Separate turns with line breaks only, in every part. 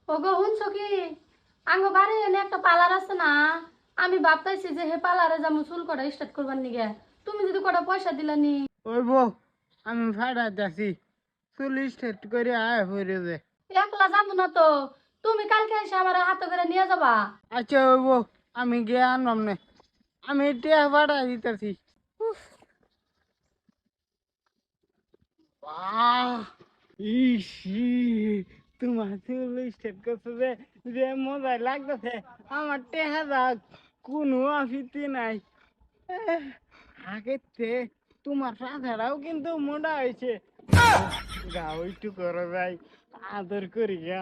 ওগো শুনছো কি? আঙ্গ বাড়ি এনে একটা পার্লার আছে না, আমি ভাবতাইছি যে হে পার্লারে যাবো চুল কটা স্টার্ট করবার নিগে। তুমি যদি কটা পয়সা দিলানি।
ওই বউ, আমি ভাড়া যাচ্ছি, চুল স্ট্রেট করে আয় হয়ে যে।
একলা যাবো না তো, তুমি কালকে এসে আমার হাতে করে নিয়ে যাবা।
আচ্ছা ওই বউ, আমি গিয়ে আনলাম না, আমি টিয়া ভাড়া দিতেছি। ইস, তোমার চুল স্ট্রেট করছো যে, যে মজা লাগতেছে। আমার টেহা যাক, কোনো অফিসই নাই। আগের থেকে তোমার সাথাটাও কিন্তু মোটা হয়েছে। গাও একটু করা যায়, আদর করি গা।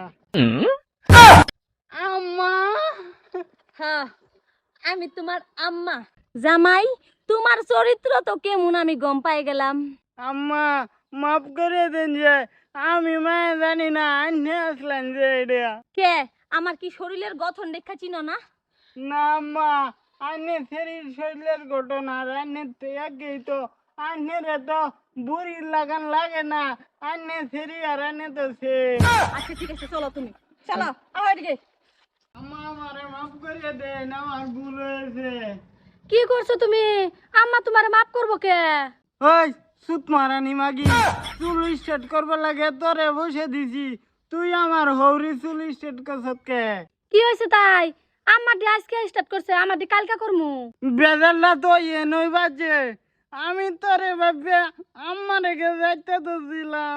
আম্মা,
হ্যাঁ, আমি তোমার আম্মা। জামাই, তোমার চরিত্র তো কেমন আমি গম পাই গেলাম।
আম্মা মাফ করে দেন যে, আমি মায়ে জানি না আন্নে আসলেন যে এটা।
কে? আমার কি শরীরের গঠন দেখা চিনো না?
না আম্মা, আন্নে শরীরের ঘটনা আন্নের আগেই তো আন্নের তো বুড়ি লাগান লাগে না। আন্নে শরীর আর আন্নে তো সে।
আচ্ছা ঠিক আছে, চলো তুমি চলো আমার এদিকে।
আম্মা আমারে মাফ করে দেন, আমার ভুল হয়েছে।
কি করছো তুমি? আম্মা তোমারে মাফ করবো কে?
ওই সুত মারানি মাগি, চুল স্ট্রেট করবার লাগে তোরে বসে দিছি, তুই আমার হৌরি চুল স্ট্রেট করছত কে?
কি হয়েছে তাই? আম্মা ডি আজকে স্টার্ট করছে, আমার ডি কালকা করমু।
বেজাল্লা তো নই বাজে, আমি তোরে ভাববে আম্মা রেখে যাইতে তো দিলাম।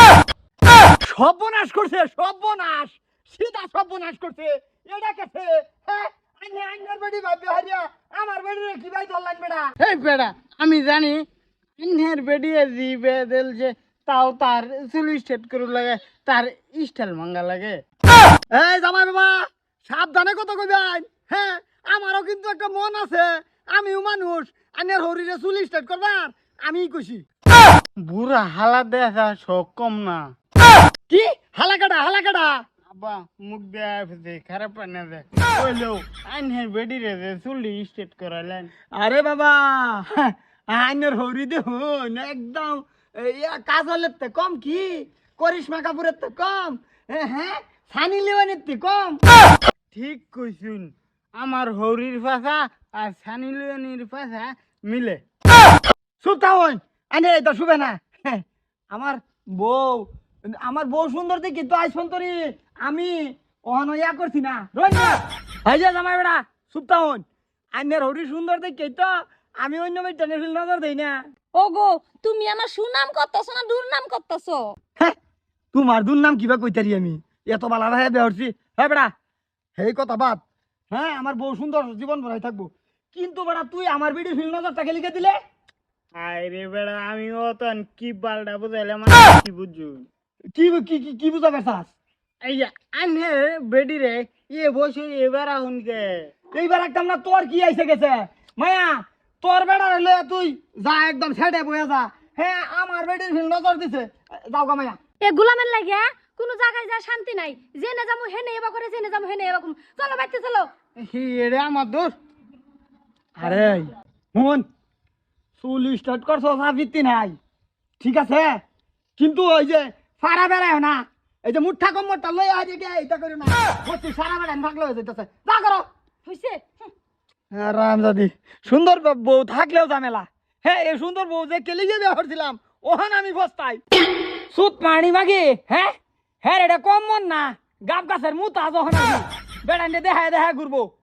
সর্বনাশ করছে, সর্বনাশ, সিধা সর্বনাশ করছে। এটা কেছে? হ্যাঁ, আইনে আইনের বাড়ি ভাববে হারিয়া আমার বাড়ি কি ভাই ধরলেন বেটা?
এই বেড়া, আমি জানি আন্নের বেডিয়ে জি বেদেল যে, তাও তার চুল স্ট্রেট করে লাগে, তার স্টাইল মাঙ্গা লাগে।
এই জামাই বাবা, সাবধানে কত কইবেন। হ্যাঁ, আমারও কিন্তু একটা মন আছে, আমিও মানুষ। আইনের হরিরে চুল স্টার্ট করবার আমি কইছি।
বুড়া হালা দেখা শখ কম না।
কি হালাকাটা হালাকাটা?
আব্বা মুখ দেয়া ফেছে, খারাপ পানি দে কইলো আন্নের বেডিরে যে চুল স্ট্রেট করালেন।
আরে বাবা, আইনের হরি দেখুন একদম কাজলের তে কম, কি করিশ্মা কাপুরের তে কম, হ্যাঁ সানি লিওনের তে কম।
ঠিক কইছুন, আমার হরির পাশা আর সানি লিওনির পাশা মিলে।
সুতা হন, আইনে এটা শুবে না। আমার বউ, আমার বউ সুন্দর দেখি তো আইস তরি আমি অহন ইয়া করছি না, রই না ভাই যা জামাই বেড়া। সুপ্তা হন, আইনের হরি সুন্দর দেখি তো আমি অন্য মেয়ে টেনে ফেল নজর দেই না।
ওগো, তুমি আমার সুনাম করতেছো না দুর্নাম করতেছো?
হ্যাঁ, তোমার দুর নাম কিবা কইতারি আমি, এত বালা ভাই বেহরছি। হ্যাঁ বেড়া, সেই কথা বাদ। হ্যাঁ, আমার বউ সুন্দর জীবন ভরাই থাকবো, কিন্তু বেড়া তুই আমার বিড়ির ফিল নজরটাকে লিখে দিলে।
আরে বেড়া, আমি অতন কি বালটা বুঝাইলাম, কি বুঝু?
কি কি কি কি বুঝা পেছাস?
এই যে আন্নের বেডিরে বসে এবার আহুনকে।
এইবার একদম না, তোর কি আইসে গেছে মায়া? তোর বেড়া রইলে তুই যা একদম ছেড়ে বয়ে যা। হ্যাঁ, আমার বেড়ির ফিল নজর দিছে, যাও গা মায়া।
এ গোলামের লাগে কোনো জায়গায় যা শান্তি নাই। জেনে যাবো হেনে এবা করে, জেনে যাবো হেনে এরকম। চলো বাইতে চলো।
এরে আমার দোষ।
আরে মন, চুল স্টার্ট করছো সাবিত্রি নাই, ঠিক আছে, কিন্তু ওই যে সারা বেড়ায় না, এই যে মুঠা কম্মরটা লই আজ এটা করে না, বলছি সারা বেড়ায় থাকলে হয়ে যেতেছে, যা করো।
হইছে?
রামজাদি, সুন্দর বউ থাকলেও ঝামেলা। হ্যাঁ, এই সুন্দর বউ যে কেলিগে ব্যবহার দিলাম, ওহান আমি বস্তাই সুত পানি মাগি। হ্যাঁ হ্যাঁ, এটা কম মন না, গাব গাছের মুতা যখন বেড়ান্ডে দেখায় দেখায় ঘুরবো।